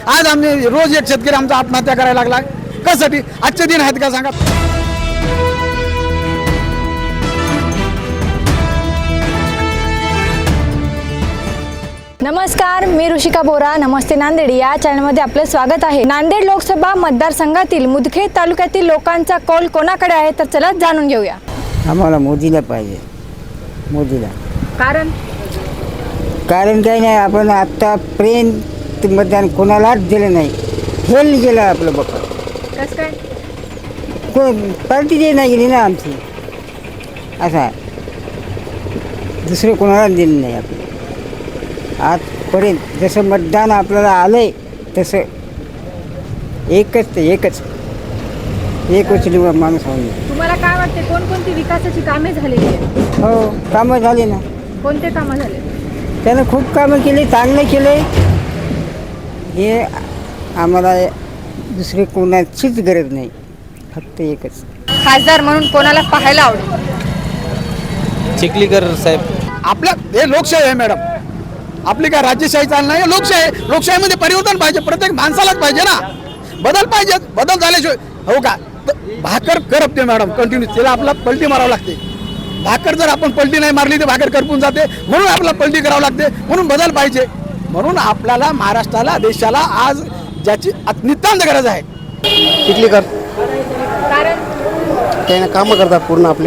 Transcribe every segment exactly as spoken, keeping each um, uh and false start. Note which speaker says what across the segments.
Speaker 1: आज आम्ही रोज एक शेतकरी आमचा आत्महत्या करायला लागला कशासाठी? आजचे दिन आहेत का सांगा?
Speaker 2: नमस्कार, मी ऋषिका बोरा. नमस्ते नांदेड या चॅनलमध्ये आपले स्वागत आहे. नांदेड लोकसभा मतदारसंघातील मुदखेड तालुक्यातील लोकांचा कौल कोणाकडे आहे तर चला जाणून घेऊया.
Speaker 3: आम्हाला मोदीला पाहिजे. मोदीला
Speaker 2: कारण
Speaker 3: कारण काही नाही, आपण आत्तापर्यंत मतदान कोणालाच दिलं नाही. फेल गेलं आपलं बघा.
Speaker 2: कसं काय?
Speaker 3: कोण पार्टी दे नाही गेली ना आमची. असा दुसरं कोणाला दिलं नाही आपण आजपर्यंत. जसं मतदान आपल्याला आलं आहे तसं एकच ते एकच एकच निवड माणूस होऊन.
Speaker 2: तुम्हाला काय वाटते, कोणकोणती विकासाची कामे झालेली आहेत?
Speaker 3: हो, कामं झाली ना.
Speaker 2: कोणते कामं झाले?
Speaker 3: त्यानं खूप कामं केली, चांगलं केले. हे आम्हाला दुसरी कोणाचीच गरज नाही, फक्त एकच.
Speaker 2: खासदार म्हणून कोणाला पाहायला आवडेल?
Speaker 4: चिखलीकर साहेब.
Speaker 1: आपल्या हे लोकशाही आहे मॅडम. आपली काय राजेशाही चालणार नाही, लोकशाही आहे. लोकशाहीमध्ये परिवर्तन पाहिजे, प्रत्येक माणसालाच पाहिजे ना. बदल पाहिजे, बदल झाल्याशिवाय हो का? भाकर करपते मॅडम कंटिन्यू, त्याला आपला पलटी मारावं लागते. भाकर जर आपण पलटी नाही मारली तर भाकर करपून जाते, म्हणून आपल्याला पलटी करावं लागते. म्हणून बदल पाहिजे. म्हणून आपल्याला महाराष्ट्राला, देशाला आज ज्याची नितांत गरज आहे.
Speaker 4: चिखलीकर.
Speaker 2: कारण
Speaker 4: त्याने कामं करतात पूर्ण आपले.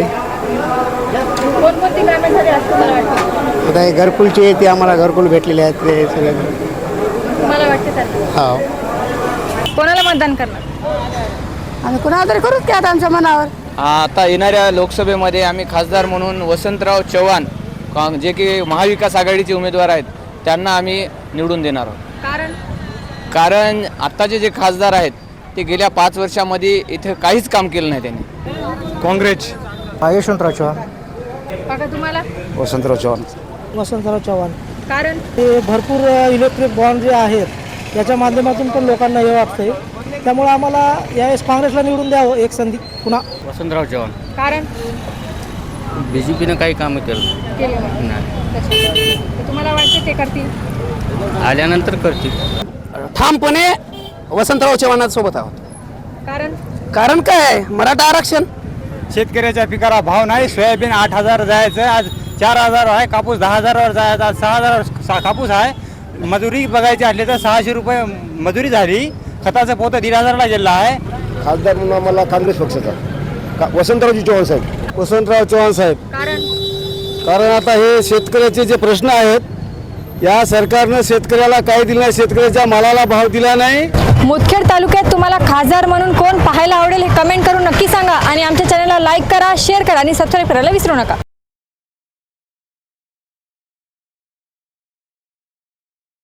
Speaker 2: कोणकोणती कामे झाली असं मला वाटतं?
Speaker 4: आता हे घरकुलचे ते आम्हाला घरकुल भेटलेले आहेत ते सगळे.
Speaker 2: तुम्हाला वाटते तर
Speaker 4: हो.
Speaker 2: कोणाला मतदान करणार?
Speaker 3: आम्ही कोणाला तरी करूच की आता आमच्या मनावर.
Speaker 5: आता येणाऱ्या लोकसभेमध्ये आम्ही खासदार म्हणून वसंतराव चव्हाण, काँ जे की महाविकास आघाडीचे उमेदवार आहेत, त्यांना आम्ही निवडून देणार आहोत.
Speaker 2: कारण
Speaker 5: कारण आत्ताचे जे खासदार आहेत ते गेल्या पाच वर्षामध्ये इथे काहीच काम केलं नाही त्यांनी.
Speaker 4: काँग्रेस. यशवंतराव चव्हाण.
Speaker 2: काका तुम्हाला?
Speaker 4: वसंतराव चव्हाण.
Speaker 6: वसंतराव चव्हाण.
Speaker 2: कारण
Speaker 6: ते भरपूर इलेक्ट्रिक बॉन्ड जे आहेत याच्या माध्यमातून पण लोकांना हे वाटतंय, त्यामुळे आम्हाला यावेळेस काँग्रेसला निवडून द्यावं एक संधी पुन्हा.
Speaker 5: वसंतराव चव्हाण.
Speaker 2: कारण
Speaker 5: बी जे पीनं काही कामं केलं
Speaker 2: केले नाही. तर तुम्हाला वाटते ते करतील?
Speaker 5: आल्यानंतर करतील.
Speaker 4: ठामपणे वसंतराव चव्हाणांसोबत आहोत.
Speaker 2: कारण
Speaker 4: कारण काय, मराठा आरक्षण.
Speaker 7: शेतकऱ्याच्या पिकाला भाव नाही. सोयाबीन आठ हजार जायचं, आज चार हजार आहे. कापूस दहा हजारावर जायचं, आज सहा हजार सा कापूस आहे. मजुरी बघायची असली तर सहाशे रुपये मजुरी झाली. खताचं पोतं दीड हजारला गेलं आहे.
Speaker 8: खासदार म्हणून आम्हाला काँग्रेस पक्षाचा का वसंतरावजी चव्हाण साहेब. वसंतराव चव्हाण साहेब.
Speaker 2: कारण
Speaker 8: कारण आता हे शेतकऱ्याचे जे प्रश्न आहेत, या सरकारनं शेतकऱ्याला काही दिलं नाही, शेतकऱ्याच्या मालाला भाव दिला नाही.
Speaker 2: मुदखेड तालुक्यात तुम्हाला खासदार म्हणून कोण पाहायला आवडेल हे कमेंट करून नक्की सांगा. आणि आमच्या चॅनलला लाईक करा, शेअर करा आणि सबस्क्राईब करायला विसरू नका.